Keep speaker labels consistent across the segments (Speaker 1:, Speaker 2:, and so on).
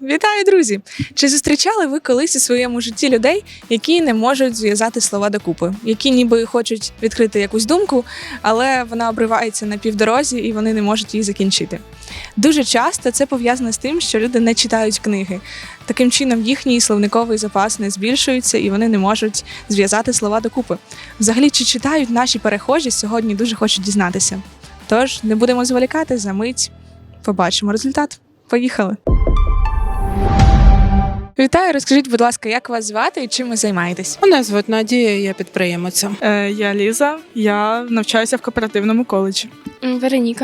Speaker 1: Вітаю, друзі! Чи зустрічали ви колись у своєму житті людей, які не можуть зв'язати слова докупи, які ніби хочуть відкрити якусь думку, але вона обривається на півдорозі і вони не можуть її закінчити? Дуже часто це пов'язано з тим, що люди не читають книги. Таким чином їхній словниковий запас не збільшується і вони не можуть зв'язати слова докупи. Взагалі, чи читають наші перехожі, сьогодні дуже хочу дізнатися. Тож, не будемо зволікати, за мить побачимо результат. Поїхали! Вітаю, розкажіть, будь ласка, як вас звати і чим ви займаєтесь?
Speaker 2: Мене звуть Надія, я підприємиця.
Speaker 3: Я Ліза, я навчаюся в кооперативному коледжі.
Speaker 4: Вероніка.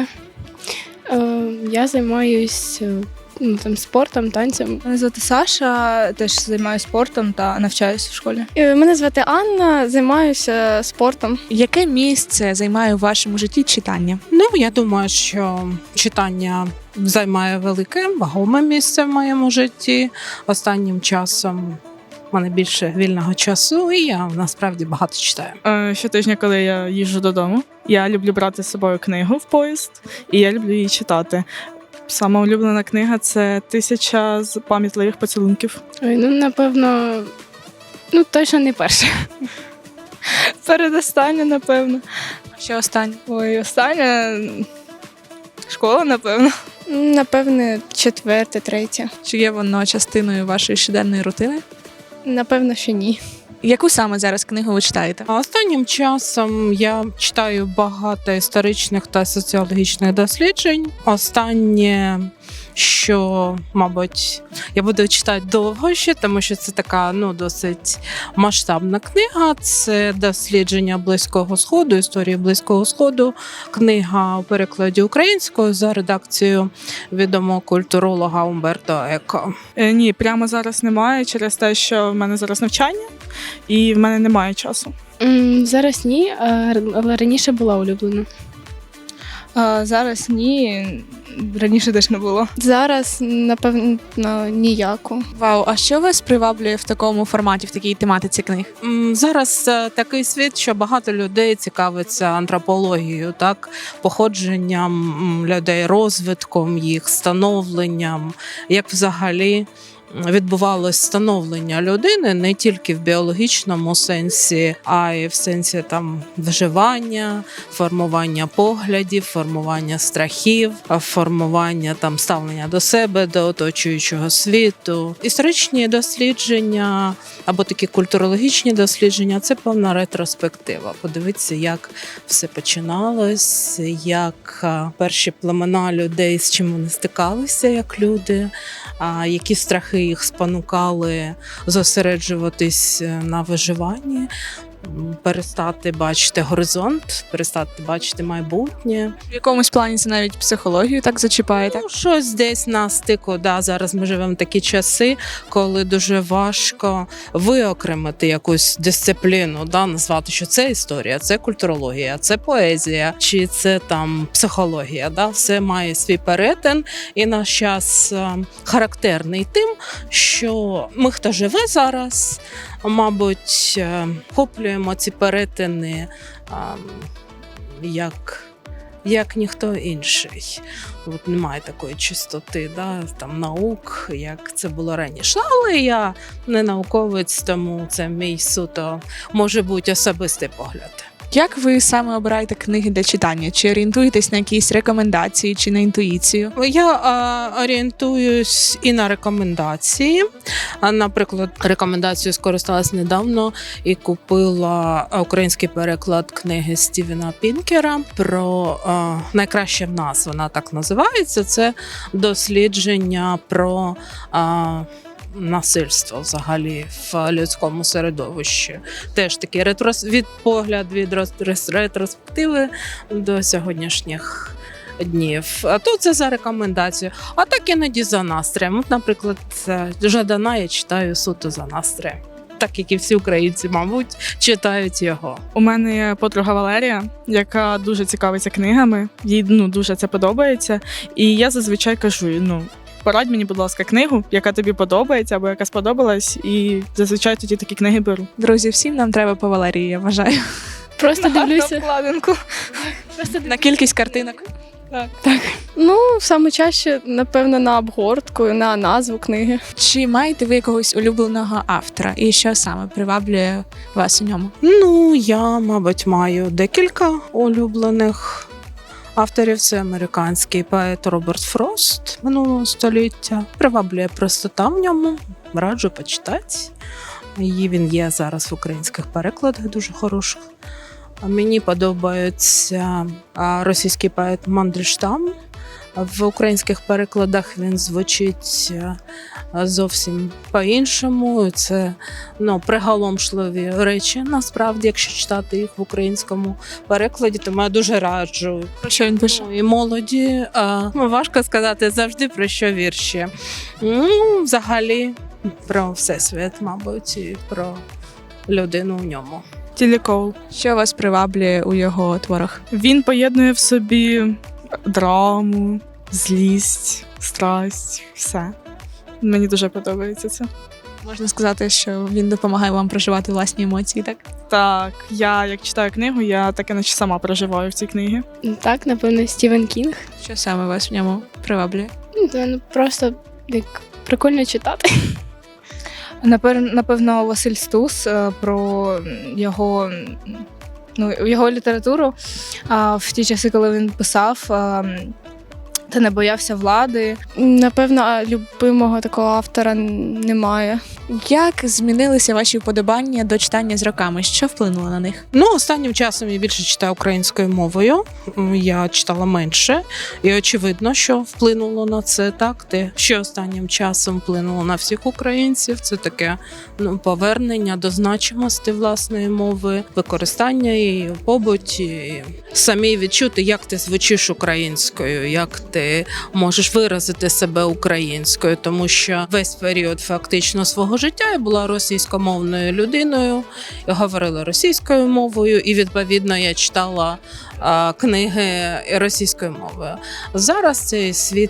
Speaker 4: Я займаюсь спортом, танцем.
Speaker 5: Мене звати Саша, теж займаюся спортом та навчаюся в школі.
Speaker 4: Мене звати Анна, займаюся спортом.
Speaker 1: Яке місце займає у вашому житті читання?
Speaker 2: Я думаю, що читання займає велике, вагоме місце в моєму житті. Останнім часом в мене більше вільного часу, і я насправді багато читаю.
Speaker 3: Щотижня, коли я їжджу додому, я люблю брати з собою книгу в поїзд, і я люблю її читати. Сама улюблена книга – це «1000 пам'ятливих поцілунків».
Speaker 4: Напевно, точно не перша.
Speaker 5: Передостання, напевно.
Speaker 1: Що останнє?
Speaker 5: Остання школа, напевно.
Speaker 4: Напевне, 4, 3.
Speaker 1: Чи є воно частиною вашої щоденної рутини?
Speaker 4: Напевно, що ні.
Speaker 1: Яку саме зараз книгу ви читаєте?
Speaker 2: А останнім часом я читаю багато історичних та соціологічних досліджень. Останнє, що, мабуть, я буду читати довго ще, тому що це така досить масштабна книга. Це дослідження Близького Сходу, історії Близького Сходу. Книга у перекладі українською за редакцією відомого культуролога Умберто Еко.
Speaker 3: Ні, прямо зараз немає, через те, що в мене зараз навчання, і в мене немає часу.
Speaker 4: Зараз ні, але раніше була улюблена.
Speaker 5: Зараз ні, раніше теж не було.
Speaker 4: Зараз, напевно, ніяку.
Speaker 1: Вау, а що вас приваблює в такому форматі, в такій тематиці книг?
Speaker 2: Зараз такий світ, що багато людей цікавиться антропологією, так, походженням людей, розвитком їх, становленням, як взагалі відбувалось становлення людини не тільки в біологічному сенсі, а й в сенсі вживання, формування поглядів, формування страхів, формування ставлення до себе, до оточуючого світу. Історичні дослідження або такі культурологічні дослідження – це певна ретроспектива. Подивитися, як все починалось, як перші племена людей, з чим вони стикалися як люди, які страхи їх спонукали зосереджуватись на виживанні, перестати бачити горизонт, перестати бачити майбутнє.
Speaker 1: В якомусь плані це навіть психологію так зачіпає, так?
Speaker 2: Щось десь на стику. Зараз ми живемо в такі часи, коли дуже важко виокремити якусь дисципліну, назвати, що це історія, це культурологія, це поезія, чи це психологія. Все має свій перетин, і наш час характерний тим, що ми, хто живе зараз, мабуть, хоплюємо ці перетини як ніхто інший. Немає такої чистоти наук, як це було раніше. Але я не науковець, тому це мій суто, може бути, особистий погляд.
Speaker 1: Як ви саме обираєте книги для читання? Чи орієнтуєтесь на якісь рекомендації, чи на інтуїцію?
Speaker 2: Я орієнтуюсь і на рекомендації. Наприклад, рекомендацією скористалась недавно і купила український переклад книги Стівена Пінкера про «Найкраще в нас», вона так називається. Це дослідження про насильство взагалі в людському середовищі. Теж такий погляд від ретроспективи до сьогоднішніх днів. А то це за рекомендацію. А так іноді за настроєм. Наприклад, Жадана я читаю суто за настроєм. Так, як і всі українці, мабуть, читають його.
Speaker 3: У мене є подруга Валерія, яка дуже цікавиться книгами, їй дуже це подобається. І я зазвичай кажу, порадь мені, будь ласка, книгу, яка тобі подобається або яка сподобалась, і зазвичай тоді такі книги беру.
Speaker 1: Друзі, всім нам треба по Валерії, я вважаю.
Speaker 4: Просто
Speaker 5: На
Speaker 4: дивлюся.
Speaker 5: обкладинку.
Speaker 1: На кількість картинок.
Speaker 6: Ну, саме чаще, напевно, на обгортку, на назву книги.
Speaker 1: Чи маєте ви якогось улюбленого автора? І що саме приваблює вас у ньому?
Speaker 2: Ну, я, мабуть, маю декілька улюблених авторів. Це американський поет Роберт Фрост минулого століття. Приваблює простота в ньому, раджу почитати. Він є зараз в українських перекладах дуже хороших. Мені подобається російський поет Мандельштам. В українських перекладах він звучить зовсім по-іншому. Це приголомшливі речі, насправді, якщо читати їх в українському перекладі, тому я дуже раджу.
Speaker 1: Про що він пише?
Speaker 2: І молоді. Важко сказати завжди, про що вірші. Взагалі, про всесвіт, мабуть, і про людину в ньому.
Speaker 3: Тілі Коул.
Speaker 1: Що вас приваблює у його творах?
Speaker 3: Він поєднує в собі драму, злість, страсть, все. Мені дуже подобається це.
Speaker 1: Можна сказати, що він допомагає вам проживати власні емоції, так?
Speaker 3: Так, я як читаю книгу, я таке наче сама проживаю в цій книгі.
Speaker 4: Так, напевно, Стівен Кінг.
Speaker 1: Що саме вас в ньому приваблює?
Speaker 4: Це просто як прикольно читати.
Speaker 5: Напевно, Василь Стус про його літературу в ті часи, коли він писав, та не боявся влади.
Speaker 6: Напевно, любимого такого автора немає.
Speaker 1: Як змінилися ваші вподобання до читання з роками? Що вплинуло на них?
Speaker 2: Останнім часом я більше читаю українською мовою. Я читала менше, і очевидно, що вплинуло на це так. Те, що останнім часом вплинуло на всіх українців, це таке повернення до значимості власної мови, використання її в побуті, і самі відчути, як ти звучиш українською, як ти можеш виразити себе українською, тому що весь період фактично свого життя я була російськомовною людиною, я говорила російською мовою, і відповідно я читала книги російською мовою. Зараз цей світ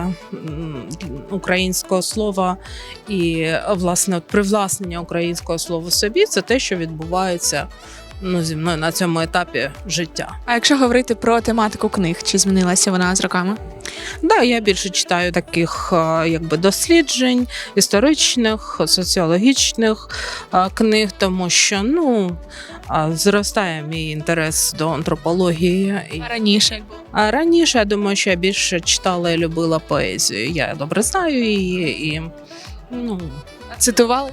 Speaker 2: українського слова і власне привласнення українського слова собі, це те, що відбувається зі мною на цьому етапі життя.
Speaker 1: А якщо говорити про тематику книг, чи змінилася вона з роками?
Speaker 2: Да, я більше читаю таких досліджень, історичних, соціологічних книг, тому що зростає мій інтерес до антропології.
Speaker 1: А раніше як було?
Speaker 2: А раніше, я думаю, що я більше читала і любила поезію. Я добре знаю її
Speaker 1: А цитували?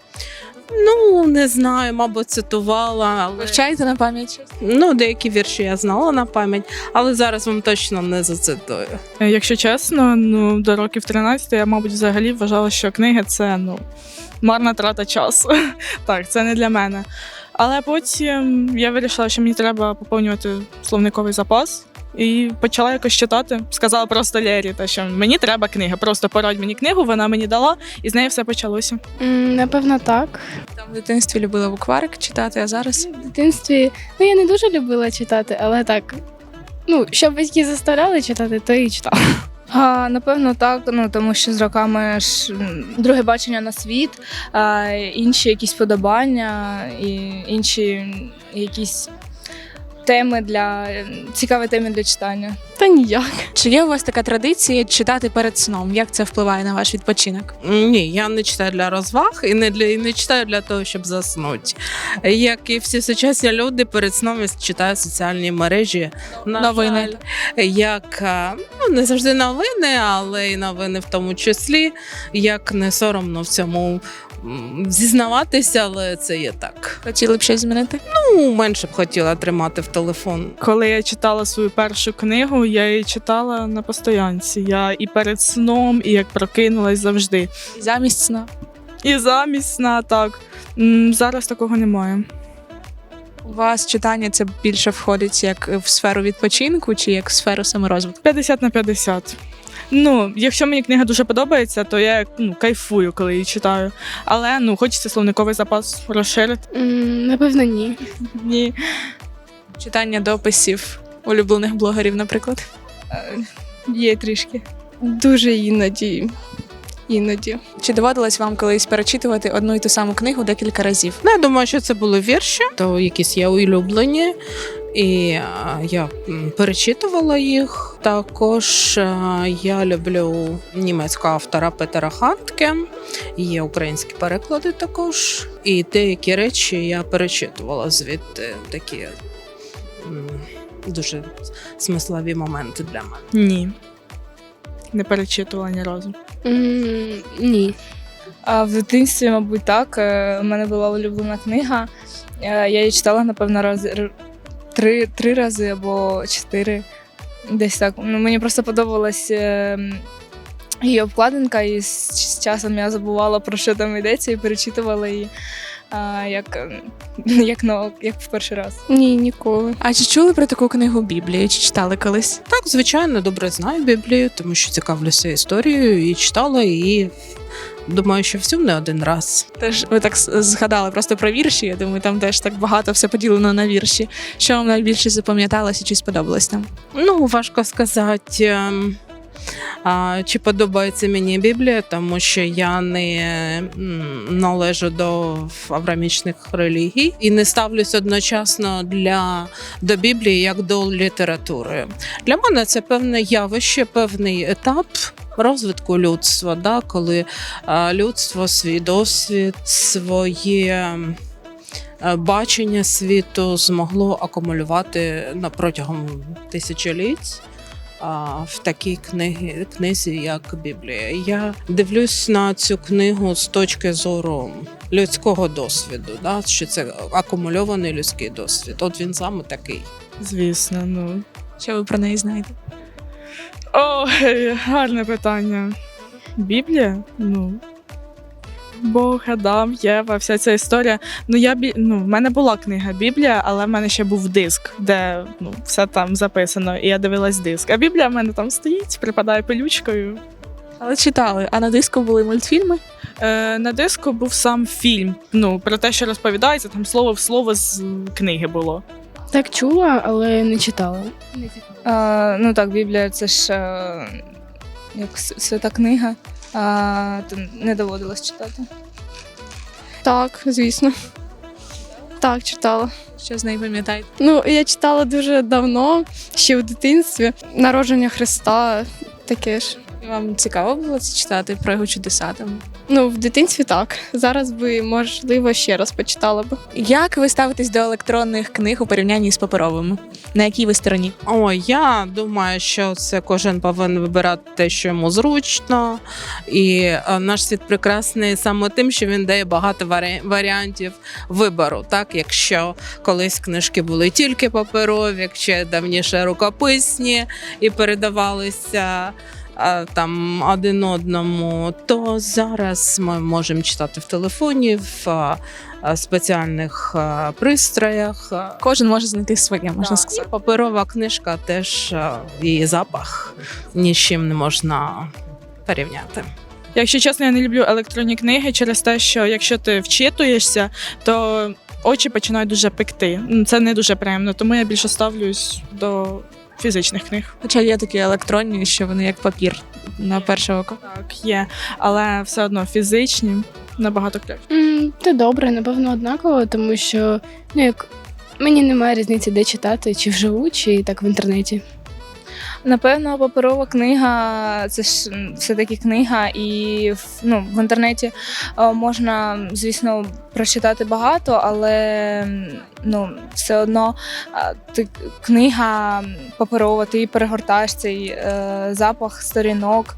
Speaker 2: Не знаю, мабуть, цитувала, але
Speaker 1: Вивчаєте на пам'ять?
Speaker 2: деякі вірші я знала на пам'ять, але зараз вам точно не зацитую.
Speaker 3: Якщо чесно, до років 13 я, мабуть, взагалі вважала, що книги – це, марна трата часу. Так, це не для мене. Але потім я вирішила, що мені треба поповнювати словниковий запас. І почала якось читати. Сказала просто Лері, що мені треба книга. Просто порадь мені книгу, вона мені дала, і з неї все почалося.
Speaker 4: Напевно, так.
Speaker 1: Там в дитинстві любила букварик читати, а зараз?
Speaker 4: В дитинстві я не дуже любила читати, але так. Що батьки заставляли читати, то і читала.
Speaker 5: Напевно, так, тому що з роками ж друге бачення на світ, інші якісь подобання і інші якісь цікаві теми для читання.
Speaker 6: Та ніяк.
Speaker 1: Чи є у вас така традиція читати перед сном? Як це впливає на ваш відпочинок?
Speaker 2: Ні, я не читаю для розваг і не читаю для того, щоб заснути. Як і всі сучасні люди, перед сном я читаю соціальні мережі.
Speaker 1: Новини.
Speaker 2: Як не завжди новини, але і новини в тому числі. Як не соромно в цьому зізнаватися, але це є так.
Speaker 1: Хотіли б щось змінити?
Speaker 2: Менше б хотіла тримати в телефон.
Speaker 3: Коли я читала свою першу книгу, я її читала на постоянці. Я і перед сном, і як прокинулась завжди.
Speaker 1: І замість сна?
Speaker 3: І замість сна, так. Зараз такого немає.
Speaker 1: У вас читання це більше входить як в сферу відпочинку чи як в сферу саморозвитку?
Speaker 3: 50/50. Якщо мені книга дуже подобається, то я кайфую, коли її читаю. Але хочеться словниковий запас розширити.
Speaker 4: Напевно, ні.
Speaker 3: Ні.
Speaker 1: Читання дописів улюблених блогерів, наприклад?
Speaker 5: Є трішки.
Speaker 6: Дуже іноді.
Speaker 1: Чи доводилось вам колись перечитувати одну і ту саму книгу декілька разів?
Speaker 2: Я думаю, що це були вірші, то якісь є улюблені. І я перечитувала їх. Також я люблю німецького автора Петера Хандке. Є українські переклади також. І деякі речі я перечитувала звідти, такі дуже смислові моменти для мене.
Speaker 3: Ні. Не перечитувала ні разу.
Speaker 4: Ні.
Speaker 5: А в дитинстві, мабуть, так. У мене була улюблена книга. Я її читала, напевно, три рази або 4. Десь так. Ну, мені просто подобалась її обкладинка, і з часом я забувала, про що там йдеться, і перечитувала її як в перший раз.
Speaker 6: Ні, ніколи.
Speaker 1: А чи чули про таку книгу Біблію? Чи читали колись?
Speaker 2: Так, звичайно, добре знаю Біблію, тому що цікавлюся історією і читала її. Думаю, що всю не один раз.
Speaker 1: Теж ви так згадали просто про вірші. Я думаю, там теж так багато все поділено на вірші. Що вам найбільше запам'яталося чи сподобалось там?
Speaker 2: Ну, важко сказати, чи подобається мені Біблія, тому що я не належу до авраамічних релігій і не ставлюсь одночасно до Біблії як до літератури. Для мене це певне явище, певний етап розвитку людства, да, коли людство свій досвід, своє бачення світу змогло акумулювати протягом тисячоліть в такій книзі, як Біблія. Я дивлюсь на цю книгу з точки зору людського досвіду, да, що це акумульований людський досвід. От він саме такий.
Speaker 3: Звісно, ну.
Speaker 1: Що ви про неї знаєте?
Speaker 3: О, гарне питання. Біблія? Ну. Бог, Адам, Єва, вся ця історія. Ну, в мене була книга Біблія, але в мене ще був диск, де все там записано, і я дивилась диск. А Біблія в мене там стоїть, припадає пилючкою.
Speaker 1: Але читали. А на диску були мультфільми?
Speaker 3: На диску був сам фільм. Ну, про те, що розповідається, там слово в слово з книги було.
Speaker 4: Так чула, але не читала.
Speaker 5: Ну так, Біблія це ж як свята книга, то не доводилось читати.
Speaker 6: Так, звісно. Так, читала.
Speaker 1: Що з неї пам'ятаєте?
Speaker 6: Ну, я читала дуже давно, ще в дитинстві. Народження Христа, таке ж.
Speaker 1: І вам цікаво було це читати про його чудеса там?
Speaker 6: Ну, в дитинстві так. Зараз би, можливо, ще раз почитала б.
Speaker 1: Як ви ставитесь до електронних книг у порівнянні з паперовими? На якій ви стороні?
Speaker 2: Я думаю, що це кожен повинен вибирати те, що йому зручно. І наш світ прекрасний саме тим, що він дає багато варіантів вибору. Так, якщо колись книжки були тільки паперові, якщо давніше рукописні і передавалися там один одному, то зараз ми можемо читати в телефоні, в спеціальних пристроях.
Speaker 1: Кожен може знайти своє, можна сказати.
Speaker 2: І паперова книжка теж, її запах ні з чим не можна порівняти.
Speaker 3: Якщо чесно, я не люблю електронні книги через те, що якщо ти вчитуєшся, то очі починають дуже пекти. Це не дуже приємно, тому я більше ставлюсь до фізичних книг.
Speaker 1: Хоча є такі електронні, що вони як папір на перше око.
Speaker 3: Так, є, але все одно фізичні набагато краще.
Speaker 4: Це добре, напевно, однаково, тому що мені немає різниці, де читати, чи вживу, чи так в інтернеті.
Speaker 5: Напевно, паперова книга це ж все-таки книга, і в інтернеті можна, звісно, прочитати багато, але все одно книга паперова, ти перегортаєш цей запах сторінок,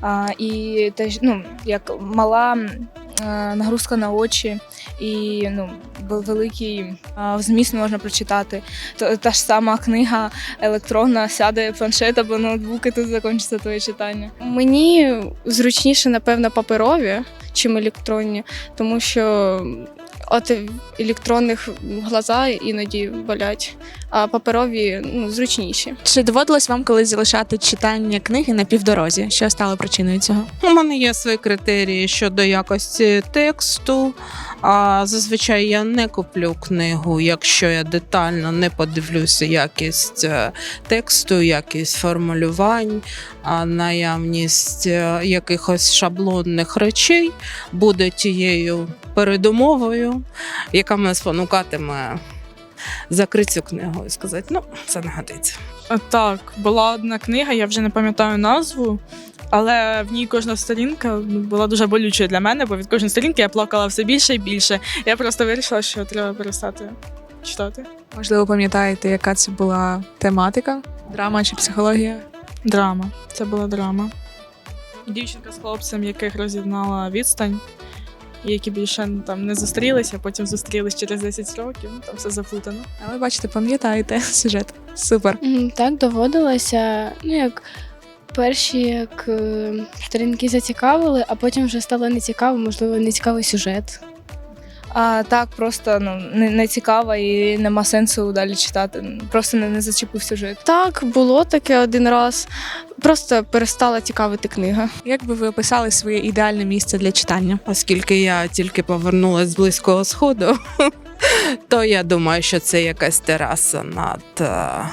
Speaker 5: і теж як мала нагрузка на очі і великий зміст можна прочитати. Та ж сама книга електронна, сяде планшет або ноутбук, і тут закінчиться твоє читання.
Speaker 6: Мені зручніше, напевно, паперові, чим електронні, тому що от електронних глаза іноді болять, а паперові зручніші.
Speaker 1: Чи доводилось вам колись залишати читання книги на півдорозі? Що стало причиною цього?
Speaker 2: У мене є свої критерії щодо якості тексту. Зазвичай я не куплю книгу, якщо я детально не подивлюся якість тексту, якість формулювань, наявність якихось шаблонних речей буде тією передумовою, яка мене спонукатиме закрити цю книгу і сказати, ну, це не годиться.
Speaker 3: Так, була одна книга, я вже не пам'ятаю назву, але в ній кожна сторінка була дуже болючою для мене, бо від кожної сторінки я плакала все більше і більше. Я просто вирішила, що треба перестати читати.
Speaker 1: Можливо, пам'ятаєте, яка це була тематика? Драма чи психологія?
Speaker 3: Драма. Це була драма. Дівчинка з хлопцем, яких роз'єднала відстань, і які більше там не зустрілися, потім зустрілись через 10 років. Там все заплутано.
Speaker 1: Але бачите, пам'ятаєте сюжет. Супер.
Speaker 4: Так, доводилося, як перші сторінки зацікавили, а потім вже стало нецікаво, можливо, нецікавий сюжет.
Speaker 5: Так, просто не цікаво і нема сенсу далі читати. Просто не зачепив сюжет.
Speaker 6: Так, було таке один раз. Просто перестала цікавити книга.
Speaker 1: Як би ви описали своє ідеальне місце для читання?
Speaker 2: Оскільки я тільки повернулася з Близького Сходу, то я думаю, що це якась тераса над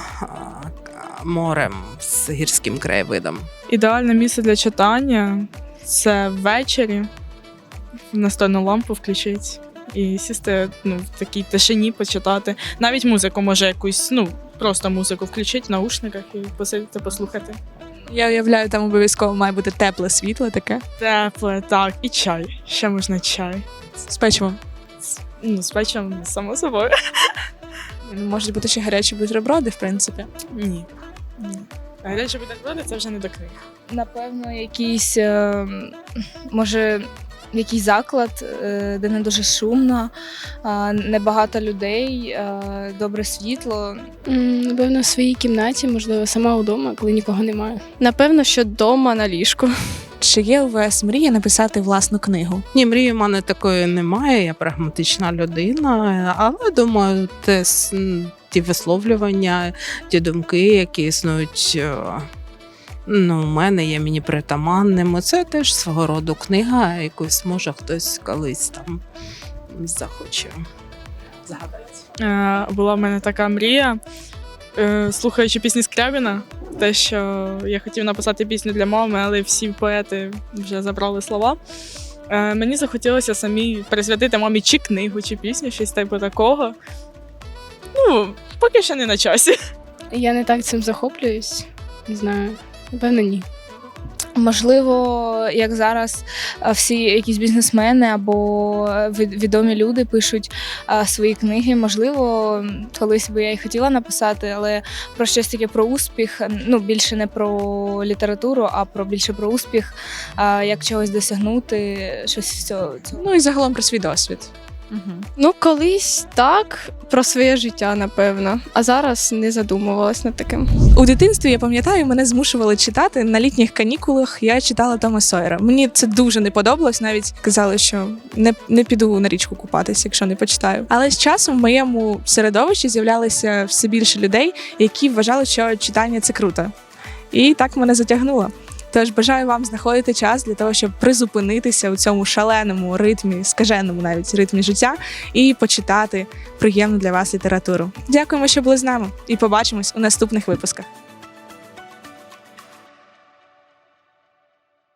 Speaker 2: морем з гірським краєвидом.
Speaker 3: Ідеальне місце для читання це ввечері настольну лампу включити і сісти в такій тишині почитати. Навіть музику може якусь, просто музику включити в наушниках і посидіти, послухати.
Speaker 1: Я уявляю, там обов'язково має бути тепле світло таке.
Speaker 3: Тепле, так, і чай. Ще можна чай.
Speaker 1: З печивом.
Speaker 3: З печем, само собою.
Speaker 1: Можуть бути ще гарячі бутерброди, в принципі.
Speaker 3: Ні. Гарячі бутерброди – це вже не до книг.
Speaker 5: Напевно, якийсь, може, якийсь заклад, де не дуже шумно, небагато людей, добре світло.
Speaker 4: Напевно, в своїй кімнаті, можливо, сама вдома, коли нікого немає.
Speaker 6: Напевно, що вдома на ліжку.
Speaker 1: Чи є у вас мрія написати власну книгу?
Speaker 2: Ні, мрії в мене такої немає, я прагматична людина, але думаю, ті висловлювання, ті думки, які існують у мене, є мені притаманними. Це теж свого роду книга, якусь може хтось колись там захоче згадати.
Speaker 3: Була в мене така мрія, слухаючи пісні Скрябіна, те, що я хотів написати пісню для мами, але всі поети вже забрали слова. Мені захотілося самі присвятити мамі чи книгу, чи пісню, щось типу такого. Поки що не на часі.
Speaker 4: Я не так цим захоплююсь, не знаю, напевно, ні.
Speaker 5: Можливо, як зараз всі якісь бізнесмени або відомі люди пишуть свої книги. Можливо, колись би я і хотіла написати, але про щось таке про успіх, більше не про літературу, а більше про успіх, як чогось досягнути, щось з цього.
Speaker 1: І загалом про свій досвід.
Speaker 6: Колись так, про своє життя, напевно. А зараз не задумувалась над таким.
Speaker 1: У дитинстві, я пам'ятаю, мене змушували читати на літніх канікулах. Я читала Тома Сойера. Мені це дуже не подобалось. Навіть казали, що не піду на річку купатися, якщо не почитаю. Але з часом в моєму середовищі з'являлося все більше людей, які вважали, що читання – це круто. І так мене затягнуло. Тож бажаю вам знаходити час для того, щоб призупинитися у цьому шаленому ритмі, скаженому навіть ритмі життя і почитати приємну для вас літературу. Дякуємо, що були з нами, і побачимось у наступних випусках.